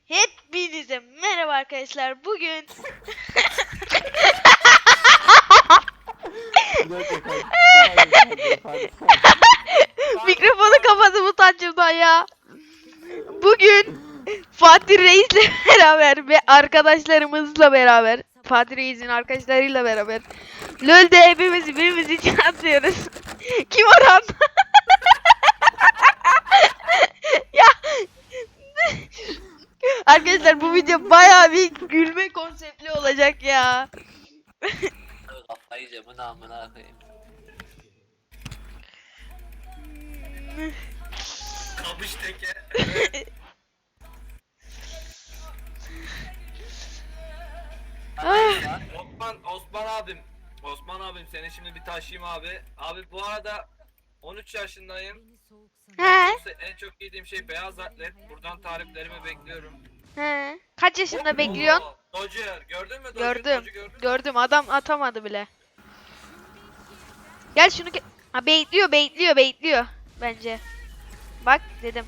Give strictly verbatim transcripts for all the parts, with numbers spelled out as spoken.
Hepinize merhaba arkadaşlar. Bugün mikrofonu kapadım utancımdan ya. Bugün Fatih Reis'le beraber ve arkadaşlarımızla beraber, Fatih Reis'in arkadaşlarıyla beraber LoL'de hepimiz birbirimiz için atıyoruz. Kim Orhan? Ya arkadaşlar bu video bayağı bir gülme konseptli olacak ya. Kafayı yiyeceğim, bunu amına koyayım. Kamış teke. Ah. Osman, Osman abim. Osman abim seni şimdi bir taşıyayım abi. Abi bu arada on üç yaşındayım. He, En çok yediğim şey beyaz atlet. Buradan tariflerimi bekliyorum. he. Kaç yaşında bekliyorsun? Oo, Dodger. Gördün mü Dodger? Gördüm. Dodger gördün mü? Gördüm. Adam atamadı bile. Gel şunu ke- ha baitliyor, baitliyor, baitliyor bence. Bak dedim.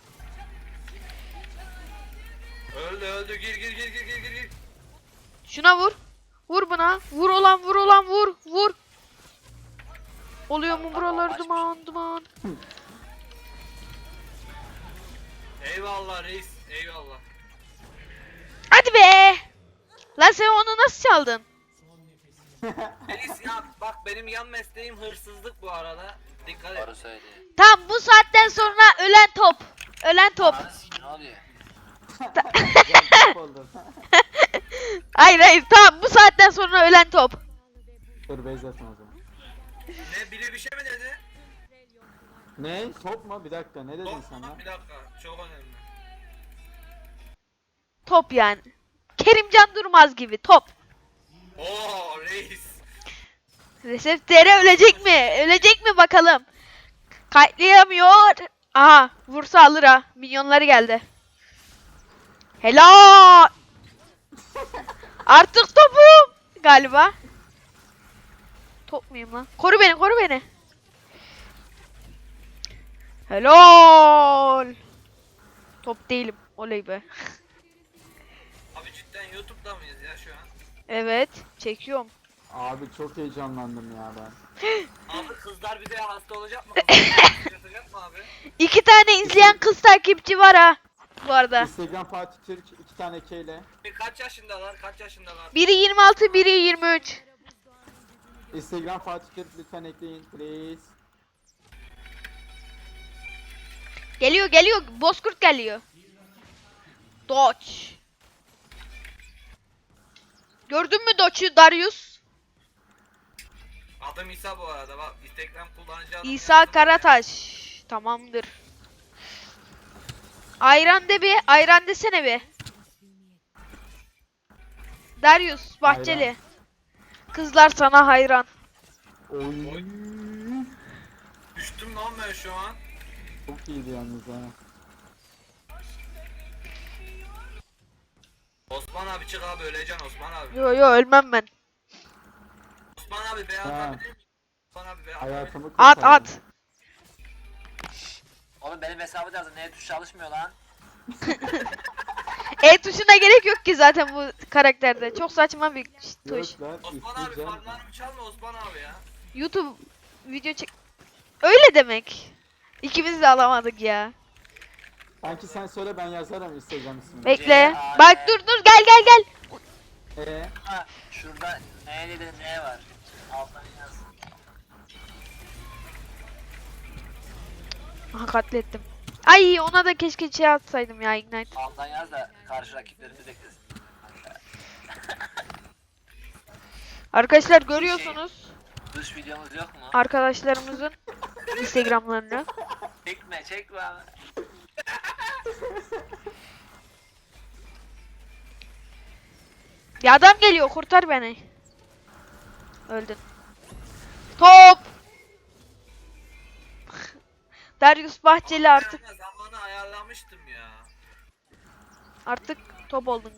Öldü öldü. Gir gir gir gir gir gir. gir. Şuna vur. Vur buna. Vur olan, vur olan, vur, vur. Oluyor mu buralar duman duman. Eyvallah reis. Eyvallah. Hadi be. Lan sen onu nasıl çaldın? Reis ya bak benim yan mesleğim hırsızlık bu arada. Dikkat et. Doğru söylüyor. Tamam bu saatten sonra ölen top. Ölen top. Ne oluyor? Hayır hayır tamam bu saatten sonra ölen top. Dur base atma o zaman. Ne biri bir şey mi dedi? Ne? Top mu? Bir dakika ne dedin Top sen mu? lan? Bir dakika çok önemli. Top yani. Kerimcan Durmaz gibi top. Oo reis. Recep Tere ölecek mi? Ölecek mi bakalım? Kayıtlayamıyor. Aha vursa alır ha. Minyonları geldi. Helal. Artık topum. Galiba. Top muyum lan? Koru beni koru beni. Helal. Top değilim. Oley be. Abi cidden YouTube'da mıyız ya şu an? Evet. Çekiyorum. Abi çok heyecanlandım ya ben. Abi kızlar bir de hasta olacak mı? Kızlar yatacak mı abi? İki tane izleyen kız takipçi var ha. Bu arada. Instagram Fatih Türk iki tane K ile. Bir Kaç yaşındalar? Kaç yaşındalar? Biri yirmi altı, biri yirmi üç. Instagram Fatih Türk lütfen ekleyin please. Geliyor geliyor. Bozkurt geliyor. Dodge. Gördün mü Dodge'u Darius? Adım İsa bu arada bak Instagram kullanıcı adım. İsa yazdım. Karataş. Tamamdır. Ayran de bir. Ayran desene bir. Darius Bahçeli. Ayran. Kızlar sana hayran. Oy. Oy. Düştüm lan ben şu an. Çok iyiydi yalnız ha. Osman abi çık abi öleceksin Osman abi. Yo yo ölmem ben. Osman abi beyaz Ha. atabilir miyim? Osman abi beyaz atabilir Hayatımı miyim? At kurtardın. at. Oğlum benim hesabı lazım. Neye tuş çalışmıyor lan? E tuşuna gerek yok ki zaten bu karakterde. Çok saçma bir tuş. Yok lan Osman abi isteyeceğim. farmlarımı çalma Osman abi ya. YouTube video çek... Öyle demek. İkimiz de alamadık ya. Sanki sen söyle ben yazarım Instagram ismini. Bekle. C A N. Bak dur dur gel gel gel. Eee? Ha şurada neydi de ne var? Alttan yaz. Aha katlettim. Ay ona da keşke şey atsaydım ya Ignite. Alttan yaz da karşı rakiplerimiz eklesin. Arkadaşlar görüyorsunuz Dış videomuz yok mu? arkadaşlarımızın Instagram'larını. Çekme çekme abi. Ya adam geliyor kurtar beni. Öldün. Top. Darius Bahçeli artık Ben zamanı ayarlamıştım ya. artık top oldun.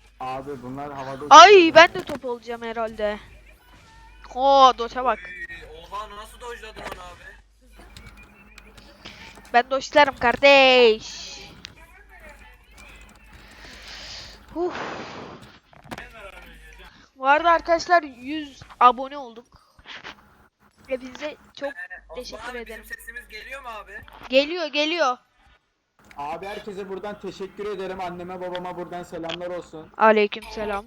Abi bunlar havada Ay uçuyor. ben de top olacağım herhalde. Oo Dota bak. Oy, Oha nasıl dojladın onu abi? Ben doşlarım kardeş. Uf. Bu arada arkadaşlar yüz abone olduk. Hepinize çok Osman teşekkür abi ederim. bizim sesimiz geliyor mu abi? Geliyor geliyor. Abi herkese buradan teşekkür ederim. Anneme babama buradan selamlar olsun. Aleykümselam.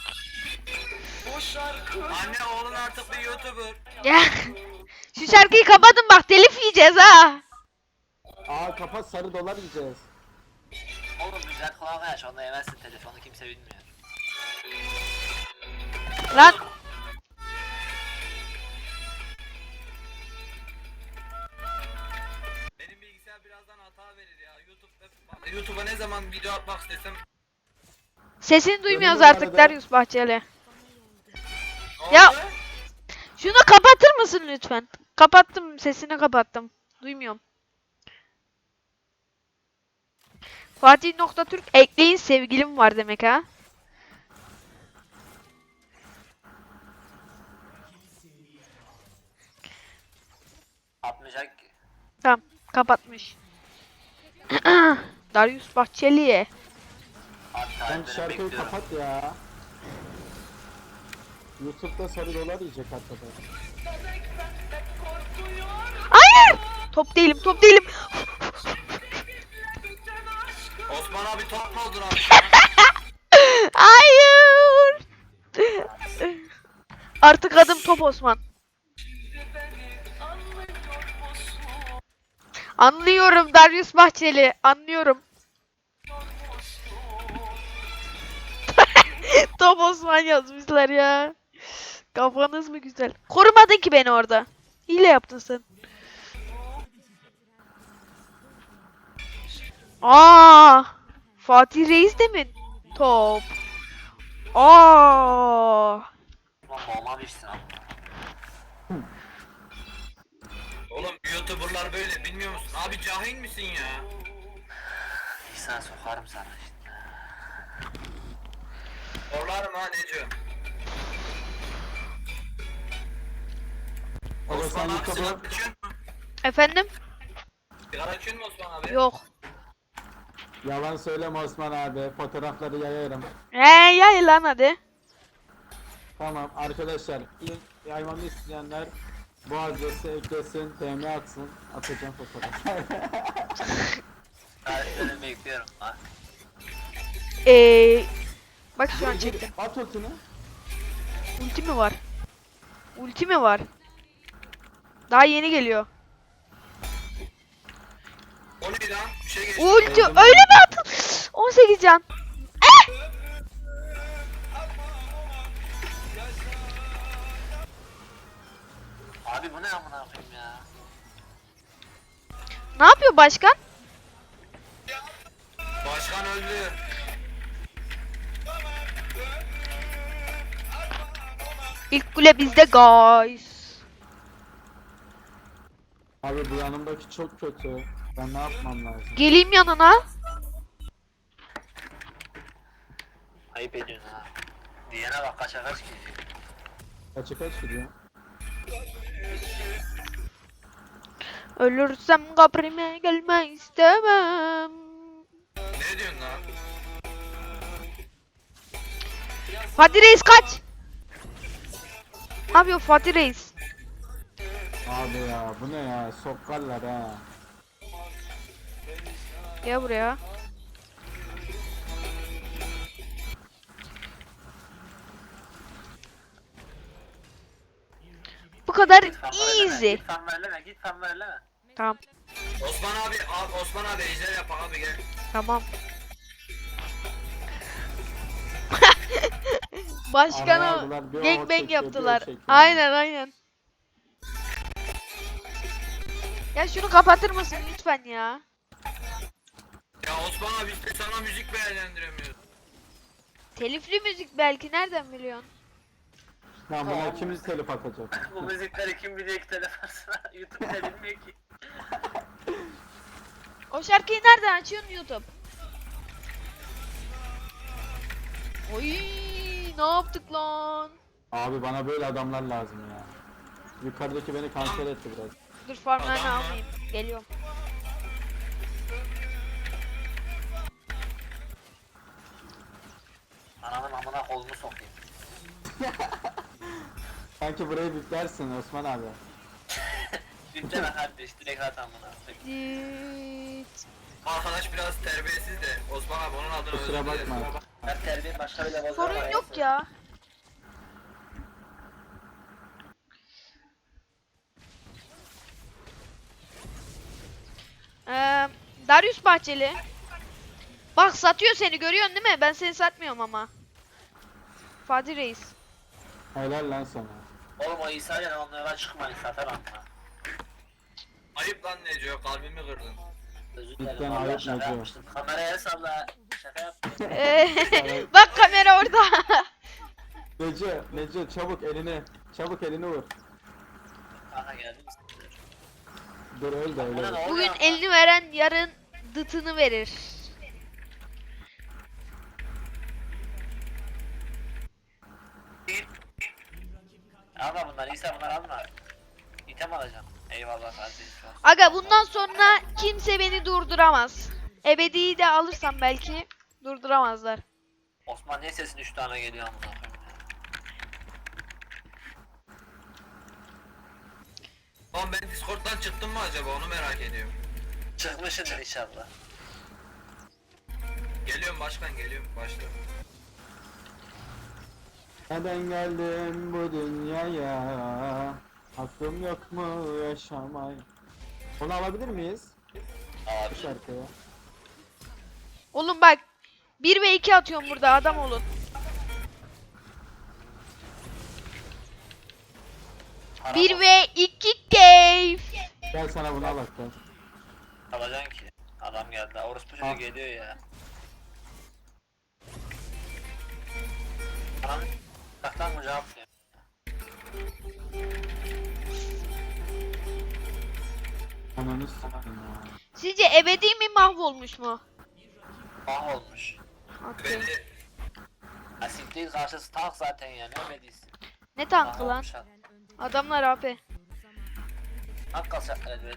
Anne oğlun artık bir YouTuber. Ya şu şarkıyı kapatın bak telif yiyeceğiz ha. Aa kapat, sarı dolar yiyeceğiz. Oğlum güzel kulağına yaş, onda yemezsin, telefonu kimse bilmiyor. Lan Benim bilgisayar birazdan hata verir ya. YouTube'da YouTube'a ne zaman video atmak istesem sesini duymuyoruz Dönüyor artık arada. Darius Bahçeli. ne Ya- oldu? Şunu kapatır mısın lütfen? Kapattım, sesini kapattım. Duymuyorum. Fatih nokta Türk ekleyin sevgilim var demek ha. Atmayacak ki. Tamam, kapatmış. Darius Bahçeli. Abi Sen tarifleri şarkıyı bekliyorum. kapat ya. YouTube'da sarı dolar yiyecek hakikaten. Hayır! Top değilim, top değilim. Osman abi top mu oldun abi? Hayır! Artık adım Top Osman. Anlıyorum Darius Bahçeli, anlıyorum. Top Osman yazmışlar ya. Kafanız mı güzel? Korumadın ki beni orada. Hile yaptın sen. Aa! Fatih Reis de mi? Top. Aa! Ulan boğma bilsin abi. Oğlum YouTuber'lar böyle bilmiyor musun? Abi cahil misin ya? İhsan sokarım sana işte. Orlarım ha Neco. Ama sen Osman abi YouTube'u sigara içiyor mu? Efendim? Sigara içiyor mu Osman abi? Yok. yalan söyleme Osman abi. Fotoğrafları yayarım. He yay lan hadi. Tamam arkadaşlar, link yaymamı isteyenler bu adrese eklesin, D M atsın, atacağım fotoğraf. Tarifleri bekliyorum ha. Ee, bak şu an çektim. At ultini. Ulti mi var? Ulti mi var? Daha yeni geliyor. O neydi lan? Bir şey geçti. Ulti öyle mi atın? on sekiz can. Abi bu ne amına koyayım ya. Ne yapıyor başkan? Başkan öldü. İlk kule bizde guys. Abi bu yanımdaki çok kötü. Ben ne yapmam lazım? Geleyim yanına. Ayıp ediyorsun ha. Diyene bak kaça kaç gidiyor. Kaçı kaç gidiyor? Ölürsem kabrime gelme istemem. Ne diyorsun lan? Fatih Reis kaç. Ne yapıyor Fatih Reis? Abi ya bu ne ya, sokarlar ha. Gel buraya. Bu kadar Git fan verleme, easy. Git fan verleme, git fan verleme. Tamam. Osman abi, abi Osman abi ejder yap abi gel. Tamam. Araya Başkanı aldılar, bir o gangbang çekiyor, bir o yaptılar. çekiyor. Aynen aynen. Ya şunu kapatır mısın lütfen ya? Ya Osman abi işte sana müzik beğendiremiyoruz. Telifli müzik belki nereden biliyorsun? Lan buna kim telif atacak? Bu müzikleri kim biliyor ki telefonuna? YouTube'da bilmiyor ki. O şarkıyı nereden açıyorsun YouTube? Oy ne yaptık lan? Abi bana böyle adamlar lazım ya. Yukarıdaki beni kanser etti biraz. Dur farmlarını Adam mı? almayayım. Geliyorum. Ananın amına kolunu sokayım. Sanki burayı biplersin Osman abi. Dipten kardeş direkt at amına. Düt. Arkadaş biraz terbiyesiz de Osman abi onun adını Kusura özür dilerim. bakma. Ben terbiye başka bile bozar. Sorun yok ya. Ee, Darius Bahçeli. Bak satıyor seni, görüyorsun değil mi? Ben seni satmıyorum ama. Fatih Reis. Helal lan sana. Oğlum o İsa ile onlara çıkmayın satar amına. Ayıp lan Neco, kalbimi kırdın. Özür Cidden dilerim valla ayıp şaka Neco. yapmıştım. Kameraya salla. Şaka yaptım. Ee, Bak kamera orada. Nece, Nece çabuk elini, çabuk elini vur. Kanka geldim işte. Dur öl de öyle. Buna ne vur. oluyor Bugün ama? elini veren yarın dıtını verir. Alma bunları İsa bunları alma. İtem alacağım. Eyvallah kardeşim. Aga bundan sonra kimse beni durduramaz. Ebedi'yi de alırsam belki durduramazlar. Osman niye sesin üç tane geliyor amına koyayım ya? Oğlum ben Discord'dan çıktım mı acaba onu merak ediyorum. Çıkmışsındır inşallah. Geliyorum başkan, geliyorum başla. Neden geldim bu dünyaya? Hakkım yok mu yaşamaya? Onu alabilir miyiz? Abi. Bu şarkıya. Oğlum bak bir ve iki atıyorum burada, adam olun. Para bir bak- ve iki keyif. Gel sana bunu al hatta. alacaksın ki. Adam geldi. Orospu Al. çocuğu geliyor ya. Ananı Saktan mı cevap veriyor? Ananı s**tim ya. Sizce ebedi mi mahvolmuş mu? Ah olmuş. Okey. Beni Asik değil karşısı tank zaten ya ne ömediysin. Ne tankı lan? olmuş adam. Adamlar A P. Tank kalacaklar evet.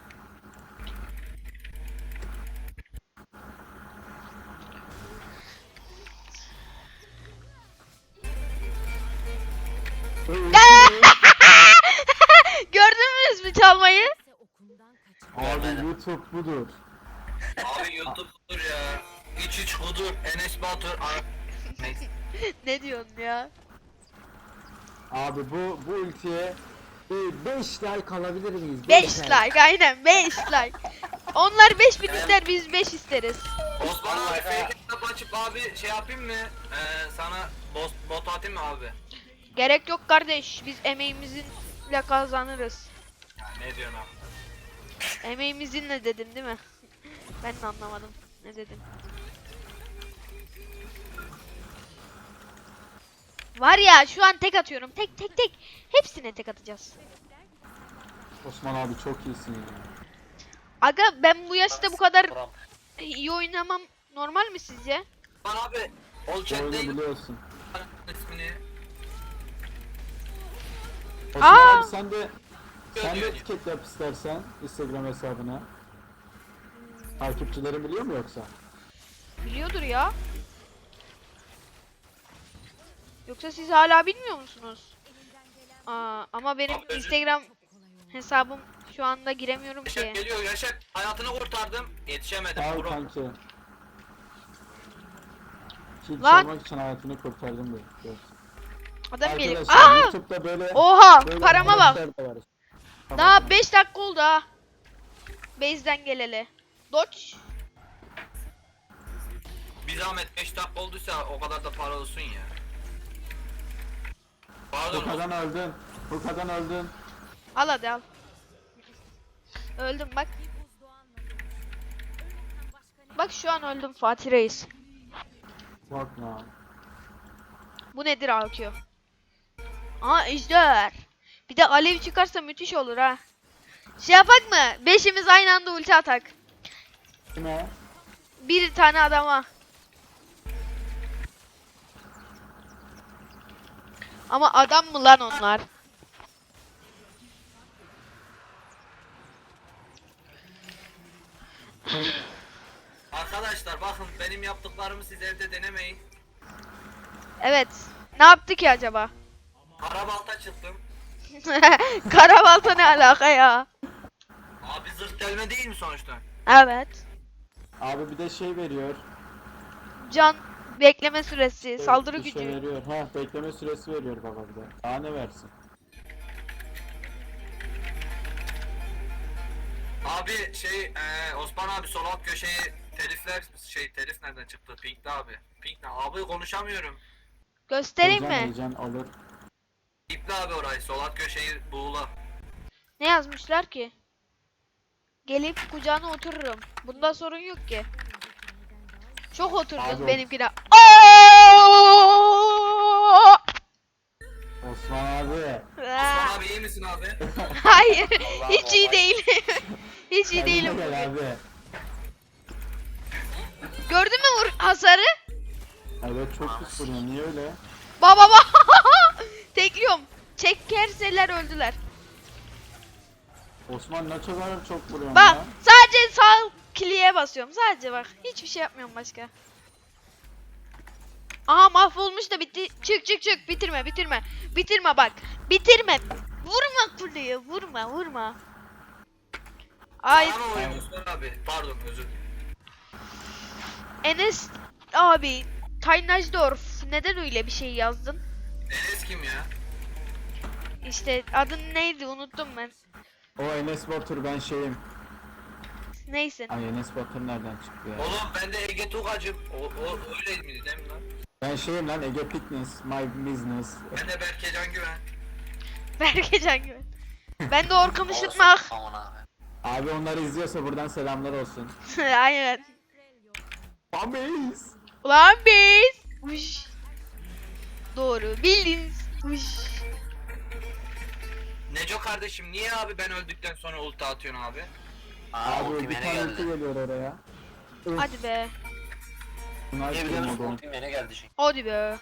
Gördünüz mü çalmayı? Abi YouTube budur. abi YouTube budur ya. İç iç budur. Enes Batur. Ar- Neyse. Ne diyorsun ya? Abi bu bu ultiye beş like alabilir miyiz? beş like, aynen beş like. Onlar beş bin ister, biz beş isteriz. Osman abi Vallahi fake ha. hesap açıp abi şey yapayım mı? Ee, sana bot, bot atayım mı abi? Gerek yok kardeş, biz emeğimizle kazanırız. Ya ne diyorsun abi? Emeğimizinle dedim değil mi? Ben de anlamadım. Ne dedim? Var ya şu an tek atıyorum. Tek tek tek. Hepsine tek atacağız. Osman abi çok iyisin ya. Aga ben bu yaşta bu kadar Buram. iyi oynamam normal mi sizce? Osman abi. Ol Bu chat oyunu değil. biliyorsun. ismini. Osman Aa! abi sen de sen de etiket yap istersen Instagram hesabına. Takipçilerin biliyor mu yoksa? Biliyordur ya. Yoksa siz hala bilmiyor musunuz? Aa, ama benim Abi, özür- Instagram hesabım şu anda giremiyorum Yaşar ki. geliyor Yaşar. Hayatını kurtardım. Yetişemedim. Sağ ol Bro. kanki. Kill Lan! çalmak için hayatını kurtardım diyor. Evet. Adam geliyor. Arkadaşlar Aa! YouTube'da böyle Oha! böyle Parama bak. arkadaşlar da var. Tamam. Daha beş dakika oldu ha. Base'den geleli. Dodge. Bir zahmet beş dakika olduysa o kadar da para olsun ya. Pardon. Furkan'dan öldün. Furkan'dan öldün. Al hadi al. Öldüm bak. Bak şu an öldüm Fatih Reis. Bakma. Bu nedir A Q? Aa ejder. Bir de alev çıkarsa müthiş olur ha. Şey yapak mı? Beşimiz aynı anda ulti atak. Kime? Bir tane adama. Ama adam mı lan onlar? Arkadaşlar bakın benim yaptıklarımı siz evde denemeyin. Evet. Ne yaptı ki acaba? Karabalta çıktım. Karabalta ne alaka ya? Abi zırh delme değil mi sonuçta? Evet. Abi bir de şey veriyor. Can bekleme süresi, saldırı bir şey gücü. veriyor. Ha, bekleme süresi veriyor baba bir de. Daha ne versin? Abi şey eee Osman abi sol alt köşeyi telifler şey telif nereden çıktı? Pink'te abi. Pink ne? Abi konuşamıyorum. Göstereyim Heyecan, mi? heyecan olur. İple abi orayı sol alt köşeyi buğula. Ne yazmışlar ki? Gelip kucağına otururum. Bunda sorun yok ki. Çok oturdun Abi- benimkine. Oo! Osman abi. Osman abi iyi misin abi? Hayır, Allah hiç iyi Allah. değil. Hiç iyi Kendine değilim. gel abi. Gördün mü vur hasarı? Evet çok pis vuruyor. Niye öyle? Baba baba. Tekliyorum. Çekerseler öldüler. Osman ne kadar çok vuruyor Bak ya. sadece sağ kliğe basıyorum. Sadece bak. Hiçbir şey yapmıyorum başka. Aha mahvolmuş da bitti. Çık çık çık. Bitirme bitirme. Bitirme bak. Bitirme. Vurma kuleyi. Vurma vurma. Ay Bana oyun Osman abi. Pardon özür dilerim. Enes abi. Taynajdorf. Neden öyle bir şey yazdın? Enes kim ya? İşte adın neydi unuttum ben. O Enes Batur ben şeyim. Neyse. Ay Enes Batur nereden çıktı ya? Oğlum ben de Ege Tugacım. O, o öyle miydi değil mi lan? Ben şeyim lan Ege Fitness, my business. Ben de Berke Can Güven. Berkecan Güven. Ben de Orkun Işıtmak. Aman abi. Abi onları izliyorsa buradan selamlar olsun. Aynen. Ameyiz. Ulan biz. Uş. Doğru bildiniz. Uş. Neco kardeşim niye abi ben öldükten sonra ulti atıyorsun abi? Aa, Abi ultim bir yine tane ulti geldi. geliyor oraya. Öf, Hadi be. bunlar Niye biliyor musun? geliyor. Ultim yine geldi çünkü. Hadi be.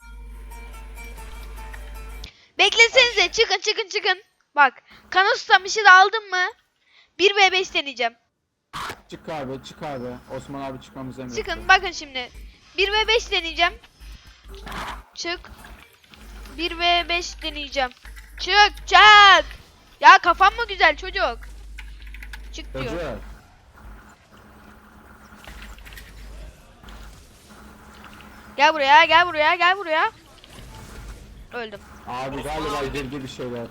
Beklesenize çıkın çıkın çıkın. Bak kanı susamışı da aldın mı? bir ve beş deneyeceğim. Çık abi çık abi. Osman abi çıkmamızı emretti. Çıkın bakın şimdi. bir ve beş deneyeceğim. Çık. bir ve beş deneyeceğim. Çık çık. Ya kafam mı güzel çocuk? Çık diyor. Çocuk. Gel buraya gel buraya gel buraya. Öldüm. Abi galiba girdi bir şeyler.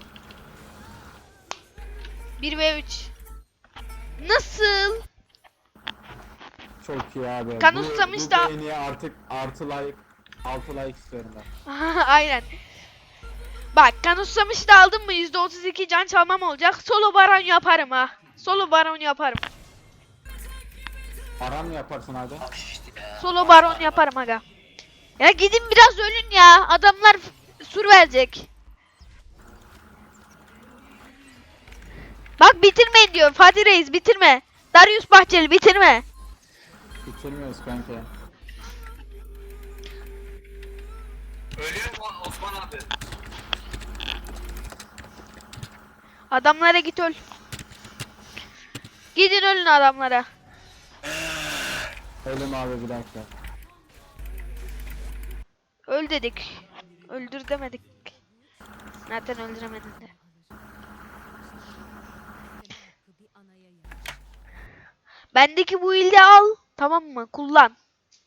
bir ve üç. Nasıl? Çok iyi abi. Kan Bu- ustamış bu da- beğeniye artık artı like, altı like istiyorum ben. Aynen. Bak kan ustamışı da aldın mı yüzde otuz iki can çalmam olacak. Solo baron yaparım ha. Solo baron yaparım. Aram mı yaparsın abi? Bak işte ya. Solo baron yaparım aga. Ya gidin biraz ölün ya. Adamlar f- sur verecek. Bak bitirmeyin diyor. Fatih Reis bitirme. Darius Bahçeli bitirme. Bitirmiyoruz kanka. Ölüyor mu Osman abi? Adamlara git öl. Gidin ölün adamlara. Ölüm abi bir dakika. Öl dedik. Öldür demedik. Zaten öldüremedin de. Bendeki bu ilde al. Tamam mı? Kullan.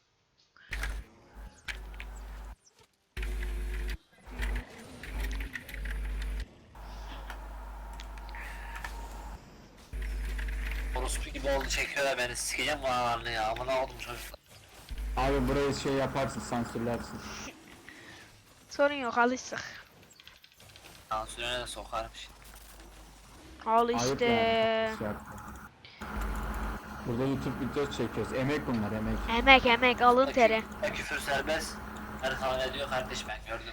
Orospu gibi oldu çekiyorlar beni. Sikeceğim bu analarını ya. Amına oldum çocuklar. Abi burayı şey yaparsın sansürlersin. Sorun yok alıştık. Tansiyona da sokarım şimdi. Al Ayıp işte. yani. Şey yapma. Burada YouTube video çekiyoruz. Emek bunlar emek. Emek emek alın teri. Ya küfür serbest. Her kanal ediyor kardeş ben gördüm.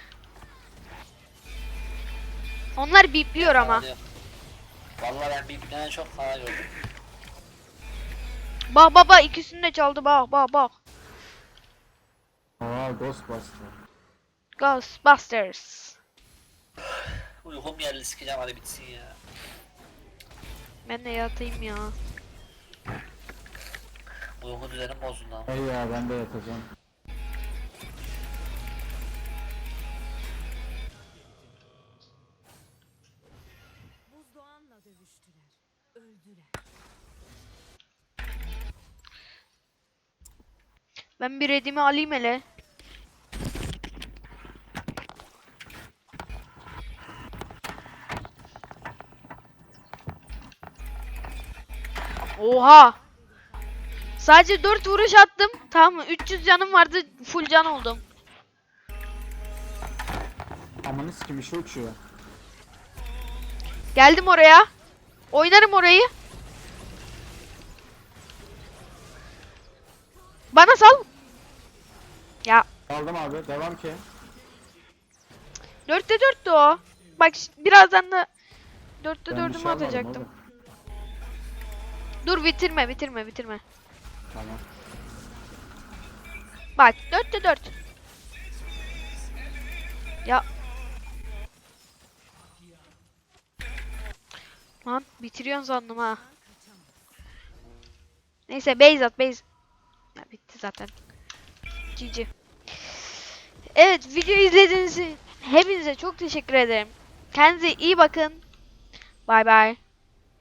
Onlar bipliyor ama. Kanal Vallahi ben bir tane çok kanal gördüm. Bak baba ikisini de çaldı bak bak bak. Aa Ghostbuster. Ghostbusters. Uykum geldi sikeceğim hadi bitsin ya. Ben de yatayım ya. Uyku düzenim bozuldu lan. Hey ya ben de yatacağım. Buzdoğan'la dövüştüler. Öldüler. Ben bir redimi alayım hele. Oha! Sadece dört vuruş attım. Tamam mı? üç yüz canım vardı. Full can oldum. Amanı sikim işe uçuyor. Geldim oraya. Oynarım orayı. Bana sal. Ya Aldım abi devam ki. dörtte dörttü o. Bak ş- birazdan da dörtte Ben bir dördümü şey almadım atacaktım. oğlum. Dur bitirme bitirme bitirme. Tamam. Bak dörtte dört. Ya. Lan bitiriyorsun sandım ha. Neyse base at base. Ya bitti zaten. G G. Evet video izlediğiniz için hepinize çok teşekkür ederim. Kendinize iyi bakın. Bay bay.